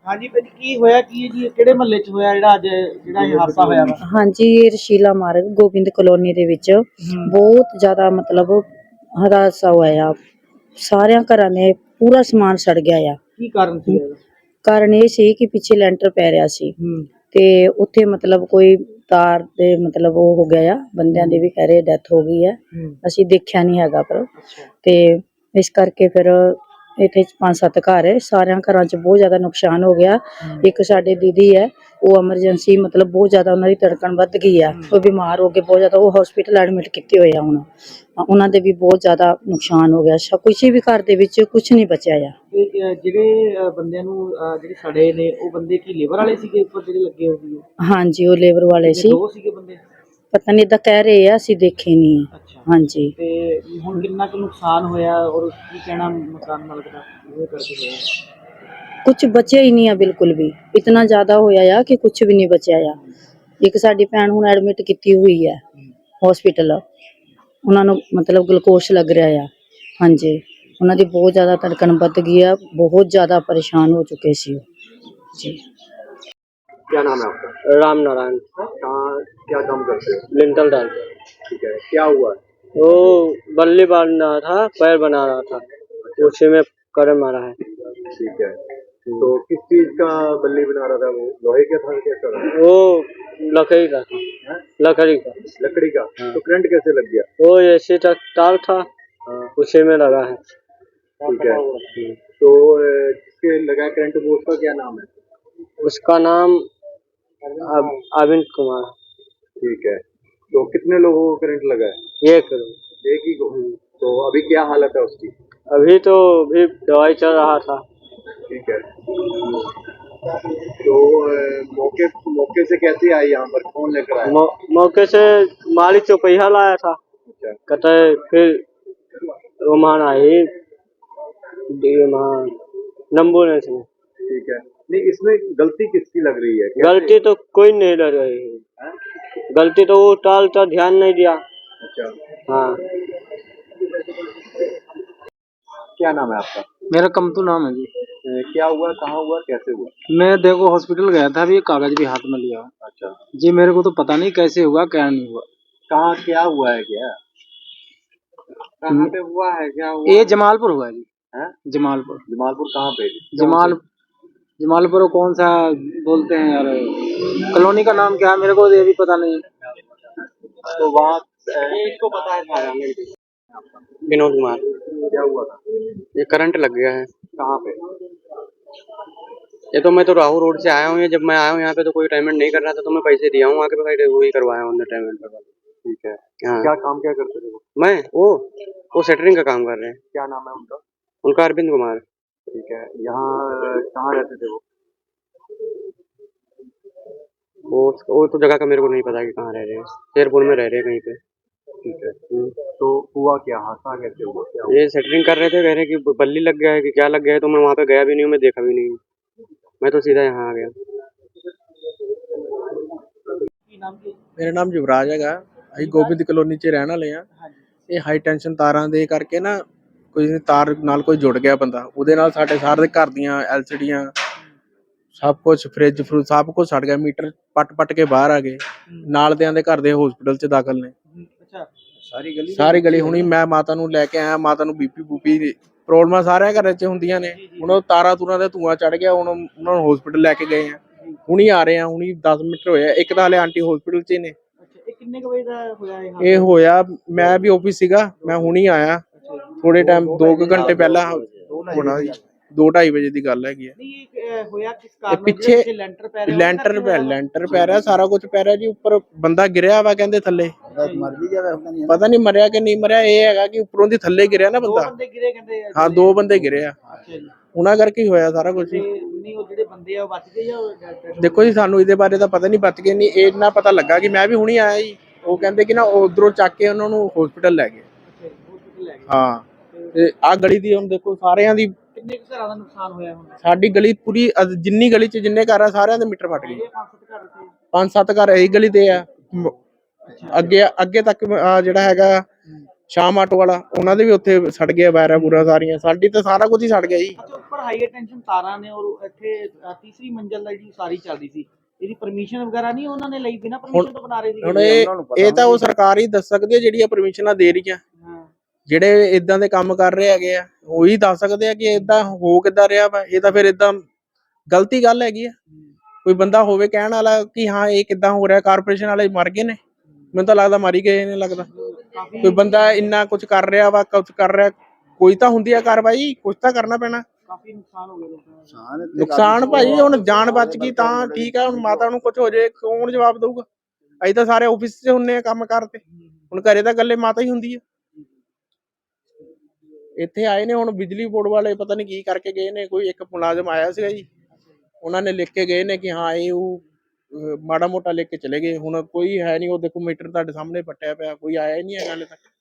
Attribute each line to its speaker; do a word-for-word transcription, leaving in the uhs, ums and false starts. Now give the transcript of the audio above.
Speaker 1: हाँ जी भाजी की होया की जी ਕਿਹੜੇ ਮਹੱਲੇ ਚ ਹੋਇਆ ਜਿਹੜਾ ਅੱਜ ਜਿਹੜਾ ਇਹ ਹਾਦਸਾ ਹੋਇਆ ਵਾ।
Speaker 2: ਹਾਂਜੀ ਇਹ ਰਸ਼ੀਲਾ ਮਾਰਗ ਗੋਬਿੰਦ ਕਲੋਨੀ ਦੇ ਵਿੱਚ ਬਹੁਤ ਜ਼ਿਆਦਾ ਮਤਲਬ ਹਾਦਸਾ ਹੋਇਆ ਆ। ਸਾਰਿਆਂ ਘਰਾਂ ਨੇ ਪੂਰਾ ਸਮਾਨ ਸੜ ਗਿਆ ਆ।
Speaker 1: ਕੀ ਕਾਰਨ ਸੀ ਇਹਦਾ?
Speaker 2: ਕਾਰਨ ਇਹ ਸੀ ਕਿ ਪਿੱਛੇ ਲੈਂਟਰ ਪੈ ਰਿਹਾ ਸੀ ਤੇ ਉੱਥੇ ਮਤਲਬ ਕੋਈ ਤਾਰ ਦੇ ਮਤਲਬ ਉਹ ਹੋ ਗਿਆ ਆ। ਬੰਦਿਆਂ ਦੀ ਵੀ ਕਹਿ ਰਹੇ ਡੈਥ ਹੋ ਗਈ ਹੈ, ਅਸੀਂ ਦੇਖਿਆ ਨਹੀਂ ਹੈਗਾ ਪਰ ਤੇ ਇਸ ਕਰਕੇ ਫਿਰ ਇੱਥੇ ਪੰਜ ਸੱਤ ਘਰ ਹੈ, ਸਾਰਿਆਂ ਘਰਾਂ 'ਚ ਬਹੁਤ ਜ਼ਿਆਦਾ ਨੁਕਸਾਨ ਹੋ ਗਿਆ। ਇੱਕ ਸਾਡੇ ਦੀਦੀ ਹੈ ਉਹ ਐਮਰਜੈਂਸੀ ਮਤਲਬ ਬਹੁਤ ਜ਼ਿਆਦਾ ਉਹਨਾਂ ਦੀ ਧੜਕਣ ਵੱਧ ਗਈ ਆ, ਉਹ ਬਿਮਾਰ ਹੋ ਕੇ ਬਹੁਤ ਜ਼ਿਆਦਾ ਉਹ ਹਸਪੀਟਲ ਐਡਮਿਟ ਕੀਤੇ ਹੋਏ ਆ। ਹੁਣ ਉਹਨਾਂ ਦੇ ਵੀ ਬਹੁਤ ਜ਼ਿਆਦਾ ਨੁਕਸਾਨ ਹੋ ਗਿਆ। ਕੁਛ ਵੀ ਘਰ ਦੇ ਵਿੱਚ ਕੁਛ ਨਹੀਂ ਬਚਿਆ ਆ।
Speaker 1: ਜਿਹੜੇ ਬੰਦਿਆਂ ਨੂੰ ਜਿਹੜੇ ਸੜੇ ਨੇ ਉਹ ਬੰਦੇ ਕੀ ਲੇਬਰ ਵਾਲੇ ਸੀਗੇ ਉੱਪਰ ਜਿਹੜੇ ਲੱਗੇ ਹੋਏ ਸੀ?
Speaker 2: ਹਾਂਜੀ ਉਹ ਲੇਬਰ ਵਾਲੇ ਸੀ।
Speaker 1: ਦੋ ਸੀਗੇ ਬੰਦੇ? ਪਤਾ
Speaker 2: ਨਹੀਂ ਤਾਂ ਕਹਿ ਰਹੇ ਆ, ਅਸੀਂ ਦੇਖੇ ਨਹੀਂ। ਹਾਂਜੀ
Speaker 1: ਤੇ ਹੁਣ ਕਿੰਨਾ ਕੁ ਨੁਕਸਾਨ ਹੋਇਆ ਔਰ ਕੀ ਕਹਿਣਾ ਮਕਾਨ ਮਾਲਕ ਦਾ ਇਹ ਕਰਕੇ ਹੋਇਆ?
Speaker 2: ਕੁਛ ਬਚਿਆ ਹੀ ਨਹੀਂ ਆ ਬਿਲਕੁਲ ਵੀ। ਇਤਨਾ ਜ਼ਿਆਦਾ ਹੋਇਆ ਆ ਕਿ ਕੁਛ ਵੀ ਨਹੀਂ ਬਚਿਆ ਆ। ਇੱਕ ਸਾਡੀ ਭੈਣ ਹੁਣ ਐਡਮਿਟ ਕੀਤੀ ਹੋਈ ਹੈ ਹਸਪੀਟਲ, ਉਹਨਾਂ ਨੂੰ ਮਤਲਬ ਗਲੂਕੋਸ਼ ਲੱਗ ਰਿਹਾ ਆ। ਹਾਂਜੀ ਉਹਨਾਂ ਦੀ ਬਹੁਤ ਜ਼ਿਆਦਾ ਧੜਕਣ ਵੱਧ ਗਈ ਆ, ਬਹੁਤ ਜ਼ਿਆਦਾ ਪਰੇਸ਼ਾਨ ਹੋ चुके सी जी।
Speaker 3: क्या नाम है आपका?
Speaker 4: राम नारायण।
Speaker 3: कहाँ क्या काम करते हो?
Speaker 4: लिंटल डालते।
Speaker 3: ठीक है, क्या हुआ?
Speaker 4: वो बल्ली बांध रहा था, पैर बना रहा था, उसी में करंट मारा है।
Speaker 3: ठीक है, तो किस चीज का बल्ली बना रहा था? वो लोहे का था क्या कर रहा था?
Speaker 4: वो लकड़ी का था। लकड़ी का।
Speaker 3: लकड़ी का? तो करंट कैसे लग गया?
Speaker 4: वो ऐसे तक तार था, उसी में लगा है।
Speaker 3: ठीक है, तो जिसके लगा करंट वो उसका क्या नाम है?
Speaker 4: उसका नाम अरविंद कुमार।
Speaker 3: ठीक है, तो कितने लोगों को करंट लगा है?
Speaker 4: एक
Speaker 3: एक ही को। तो अभी क्या हालत है उसकी?
Speaker 4: अभी तो भी दवाई चल रहा था।
Speaker 3: ठीक है, तो मौके मौके से कैसे आई यहाँ पर? कौन लेकर आया?
Speaker 4: मौ, मौके से मालिक चौपहिया लाया था।
Speaker 3: अच्छा।
Speaker 4: कहते फिर रोमान आई नंबू ने।
Speaker 3: ठीक है, नहीं इसमें गलती किसकी लग रही है?
Speaker 4: गलती तो कोई नहीं लग रही है, गलती तो वो टाल तो ध्यान नहीं दिया।
Speaker 3: अच्छा
Speaker 4: हाँ।
Speaker 3: क्या नाम है आपका?
Speaker 1: मेरा कमतू नाम है जी।
Speaker 3: क्या हुआ, कहाँ हुआ, कैसे हुआ?
Speaker 1: मैं देखो हॉस्पिटल गया था, अभी कागज भी हाथ में लिया।
Speaker 3: अच्छा
Speaker 1: जी, मेरे को तो पता नहीं कैसे हुआ क्या नहीं हुआ।
Speaker 3: कहाँ क्या हुआ है? क्या कहाँ पे हुआ है? क्या हुआ?
Speaker 1: ये जमालपुर हुआ है जी।
Speaker 3: है?
Speaker 1: जमालपुर।
Speaker 3: जमालपुर कहाँ पे?
Speaker 1: जमाल जमालपुर कौन सा बोलते हैं यार, कॉलोनी का नाम क्या है मेरे को ये भी पता नहीं।
Speaker 3: तो वहाँ
Speaker 4: इसको पता है सारा। विनोद कुमार।
Speaker 3: क्या हुआ था?
Speaker 4: ये करंट लग गया है।
Speaker 3: कहाँ पे?
Speaker 4: ये तो मैं तो राहु रोड से आया हूँ, ये जब मैं आया हूँ यहाँ पे तो कोई पेमेंट नहीं कर रहा था, तो मैं पैसे दिया हूँ आके भाई वही करवाया हूँ पेमेंट पर।
Speaker 3: ठीक है,
Speaker 4: हाँ।
Speaker 3: क्या काम क्या करते थे वो?
Speaker 4: मैं वो वो सेटरिंग का काम कर रहे हैं।
Speaker 3: क्या नाम है उनका?
Speaker 4: उनका अरविंद कुमार।
Speaker 3: ठीक है, यहाँ कहाँ रहते थे वो?
Speaker 4: वो वो तो जगह का मेरे को नहीं पता कि कहाँ रह रहे हैं, शेरपुर में रह रहे हैं कहीं पे।
Speaker 3: ठीक है, तो हुआ क्या, हादसा कैसे हुआ? क्या हुआ?
Speaker 4: ये सेटरिंग कर रहे थे, कह रहे कि बल्ली लग गया है कि क्या लग गया है, तो मैं वहाँ पे गया भी नहीं हूँ, मैं देखा भी नहीं हूँ, मैं तो सीधा यहाँ आ गया।
Speaker 5: ਮੇਰਾ ਨਾਮ ਯੁਵਰਾਜ ਹੈਗਾ, ਅਸੀਂ ਗੋਬਿੰਦ ਕਲੋਨੀ 'ਚ ਰਹਿਣ ਵਾਲੇ ਆ। ਇਹ ਹਾਈ ਟੈਂਸ਼ਨ ਤਾਰਾਂ ਦੇ ਕਰਕੇ ਨਾ ਕੋਈ ਤਾਰ ਨਾਲ ਕੋਈ ਜੁੜ ਗਿਆ ਬੰਦਾ, ਉਹਦੇ ਨਾਲ ਸਾਡੇ ਸਾਰੇ ਘਰ ਦੀਆਂ ਐਲ ਸੀ ਡੀਆਂ ਸਭ ਕੁਛ ਫਰਿੱਜ ਫਰੂਜ ਸਭ ਕੁਛ ਸੜ ਗਿਆ। ਮੀਟਰ ਪੱਟ ਪੱਟ ਕੇ ਬਾਹਰ ਆ ਗਏ। ਨਾਲ ਦਿਆਂ ਦੇ ਘਰ ਦੇ ਹਸਪੀਟਲ 'ਚ ਦਾਖਲ ਨੇ। ਸਾਰੀ ਗਲੀ ਸਾਰੀ ਗਲੀ ਹੁਣੀ ਮੈਂ ਮਾਤਾ ਨੂੰ ਲੈ ਕੇ ਆਇਆ, ਮਾਤਾ ਨੂੰ ਬੀਪੀ ਬੂਪੀ ਪ੍ਰੋਬਲਮਾਂ ਸਾਰਿਆਂ ਘਰਾਂ 'ਚ ਹੁੰਦੀਆਂ ਨੇ। ਹੁਣ ਉਹ ਤਾਰਾਂ ਤੂਰਾਂ ਦਾ ਧੂੰਆਂ ਚੜ ਗਿਆ, ਹੁਣ ਉਹਨਾਂ ਨੂੰ ਹਸਪੀਟਲ ਲੈ ਕੇ ਗਏ ਆ, ਹੁਣੀ ਆ ਰਹੇ ਆ, ਹੁਣੀ ਦਸ ਮਿੰਟ ਹੋਏ ਆ। ਇੱਕ ਤਾਂ ਹਲੇ ਆਂਟੀ ਹਸਪੀਟਲ 'ਚ ਨੇ।
Speaker 1: ਕਿੰਨੇ ਕੁ ਵਜੇ ਦਾ ਹੋਇਆ ਇਹ?
Speaker 5: ਇਹ ਹੋਇਆ ਮੈਂ ਵੀ ਆਫਿਸ ਸੀਗਾ, ਮੈਂ ਹੁਣੀ ਆਇਆ ਥੋੜੇ ਟਾਈਮ ਦੋ ਕੁ ਘੰਟੇ ਪਹਿਲਾਂ ਹੋਣਾ ਜੀ। ਦੋ ਢਾਈ ਵਜੇ ਦੀ ਗੱਲ ਹੈਗੀ ਹੈ।
Speaker 1: ਹੋਇਆ ਕਿਸ ਕਾਰਨ?
Speaker 5: ਪਿੱਛੇ
Speaker 1: ਲੈਂਟਰ ਪੈ ਰਿਹਾ,
Speaker 5: ਲੈਂਟਰ ਪੈ ਲੈਂਟਰ ਪੈ ਰਿਹਾ, ਸਾਰਾ ਕੁਝ ਪੈ ਰਿਹਾ ਜੀ। ਉੱਪਰ ਬੰਦਾ ਗਿਰਿਆ ਵਾ ਕਹਿੰਦੇ ਥੱਲੇ, ਪਤਾ ਨਹੀਂ ਮਰਿਆ ਕਿ ਨਹੀਂ ਮਰਿਆ। ਇਹ ਹੈਗਾ ਕਿ ਉੱਪਰੋਂ ਦੀ ਥੱਲੇ ਗਿਰਿਆ ਨਾ ਬੰਦਾ। ਹਾਂ ਦੋ ਬੰਦੇ ਗਿਰੇ ਆ, ਉਹਨਾਂ ਕਰਕੇ ਹੀ ਹੋਇਆ ਸਾਰਾ ਕੁਝ।
Speaker 1: ਜਿਹੜੇ ਬੰਦੇ ਆ ਬਚ ਗਏ ਜਾਂ?
Speaker 5: ਦੇਖੋ ਜੀ ਸਾਨੂੰ ਇਹਦੇ ਬਾਰੇ ਤਾਂ ਪਤਾ ਨਹੀਂ, ਬਚ ਗਏ ਨਹੀਂ। ਇਹ ਇੰਨਾ ਪਤਾ ਲੱਗਾ ਕਿ ਮੈਂ ਵੀ ਹੁਣੀ ਆਇਆ ਜੀ, ਉਹ ਕਹਿੰਦੇ ਕਿ ਨਾ ਉਧਰੋਂ ਚੱਕ ਕੇ ਉਹਨਾਂ ਨੂੰ ਹਸਪੀਟਲ ਲੈ ਗਏ। ਹਾਂ ਤੇ ਆਹ ਗਲੀ ਦੀ ਹੁਣ ਦੇਖੋ ਸਾਰਿਆਂ ਦੀ।
Speaker 1: ਕਿੰਨੇ ਕੁ ਘਰਾਂ ਦਾ ਨੁਕਸਾਨ ਹੋਇਆ ਹੁਣ?
Speaker 5: ਸਾਡੀ ਗਲੀ ਪੂਰੀ ਜਿੰਨੀ ਗਲੀ 'ਚ ਜਿੰਨੇ ਘਰ ਆ ਸਾਰਿਆਂ ਦੇ ਮੀਟਰ ਫਟ ਗਏ। ਪੰਜ ਸੱਤ ਘਰ ਇਹੀ ਗਲੀ ਤੇ ਆ। ਅੱਗੇ ਅੱਗੇ ਤੱਕ ਜਿਹੜਾ ਹੈਗਾ ਸ਼ਾਮ ਆਟੋ ਵਾਲਾ, ਉਹਨਾਂ ਦੇ ਵੀ ਉੱਥੇ ਸੜ ਗਿਆ ਵਾਇਰਾਂ ਬੂਰਾ ਸਾਰੀਆਂ, ਸਾਡੀ ਤਾਂ ਸਾਰਾ ਕੁਝ ਹੀ ਸੜ ਗਿਆ ਜੀ।
Speaker 6: ਅੱਛਾ, ਉੱਪਰ ਹਾਈ ਟੈਂਸ਼ਨ ਤਾਰਾਂ ਨੇ ਔਰ ਇੱਥੇ ਅ, ਤੀਸਰੀ ਮੰਜ਼ਲ ਦਾ ਜੀ ਸਾਰੀ ਚੱਲਦੀ ਸੀ, ਇਹਦੀ ਪਰਮਿਸ਼ਨ ਵਗੈਰਾ ਨਹੀਂ ਉਹਨਾਂ ਨੇ ਲਈ, ਬਿਨਾਂ ਪਰਮਿਸ਼ਨ ਤੋਂ ਬਣਾ ਰਹੇ ਸੀ?
Speaker 5: ਹੁਣ ਇਹ ਇਹ ਤਾਂ ਉਹ ਸਰਕਾਰ ਹੀ ਦੱਸ ਸਕਦੀ ਹੈ ਜਿਹੜੀਆਂ ਪਰਮਿਸ਼ਨਾਂ ਦੇ ਰਹੀਆਂ।
Speaker 6: ਹਾਂ,
Speaker 5: ਜਿਹੜੇ ਇਦਾਂ ਦੇ ਕੰਮ ਕਰ ਰਹੇ ਹੈਗੇ ਆ ਉਹੀ ਦੱਸ ਸਕਦੇ ਆ ਕਿ ਇਦਾਂ ਹੋ ਕਿੱਦਾਂ ਰਿਹਾ ਵਾ। ਇਹ ਤਾਂ ਫਿਰ ਇਦਾਂ ਗਲਤੀ ਗੱਲ ਹੈਗੀ ਆ। ਕੋਈ ਬੰਦਾ ਹੋਵੇ ਕਹਿਣ ਵਾਲਾ ਕਿ ਹਾਂ ਇਹ ਕਿੱਦਾਂ ਹੋ ਰਿਹਾ, ਕਾਰਪੋਰੇਸ਼ਨ ਵਾਲੇ ਮਰ ਗਏ ਨੇ, ਮੈਨੂੰ ਤਾਂ ਲੱਗਦਾ ਮਰ ਹੀ ਗਏ ਨੇ ਲੱਗਦਾ। ਕੋਈ ਬੰਦਾ ਇੰਨਾ ਕੁਝ ਕਰ ਰਿਹਾ ਵਾ, ਕੁਝ ਕਰ ਰਿਹਾ, ਕੋਈ ਤਾਂ ਹੁੰਦੀ ਆ ਕਾਰਵਾਈ, ਕੁਝ ਤਾਂ ਕਰਨਾ ਪੈਣਾ।
Speaker 6: ਕਾਫੀ ਨੁਕਸਾਨ ਹੋ ਗਿਆ ਲੋਕਾਂ ਦਾ।
Speaker 5: ਨੁਕਸਾਨ ਭਾਈ ਹੁਣ ਜਾਨ ਬਚ ਗਈ ਤਾਂ ਠੀਕ ਆ, ਹੁਣ ਮਾਤਾ ਨੂੰ ਕੁਝ ਹੋ ਜਾਏ ਕੌਣ ਜਵਾਬ ਦਊਗਾ? ਅਸੀਂ ਤਾਂ ਸਾਰੇ ਆਫਿਸ 'ਚ ਹੁੰਨੇ ਆ ਕੰਮ ਕਰਦੇ, ਹੁਣ ਘਰੇ ਤਾਂ ਇਕੱਲੇ ਮਾਤਾ ਹੀ ਹੁੰਦੀ ਆ। ਇੱਥੇ ਆਏ ਨੇ ਹੁਣ ਬਿਜਲੀ ਬੋਰਡ ਵਾਲੇ, ਪਤਾ ਨਹੀਂ ਕੀ ਕਰਕੇ ਗਏ ਨੇ, ਕੋਈ ਇੱਕ ਮੁਲਾਜ਼ਮ ਆਇਆ ਸੀਗਾ ਜੀ, ਉਹਨਾਂ ਨੇ ਲਿਖ ਕੇ ਗਏ ਨੇ ਕਿ ਹਾਂ ਇਹ ਉਹ ਅਹ ਮਾੜਾ ਮੋਟਾ ਲਿਖ ਕੇ ਚਲੇ ਗਏ। ਹੁਣ ਕੋਈ ਹੈ ਨਹੀਂ, ਉਹ ਦੇਖੋ ਮੀਟਰ ਤੁਹਾਡੇ ਸਾਹਮਣੇ ਪੱਟਿਆ ਪਿਆ, ਕੋਈ ਆਇਆ ਹੀ ਨਹੀਂ ਹੈਗਾ ਹਾਲੇ ਤੱਕ।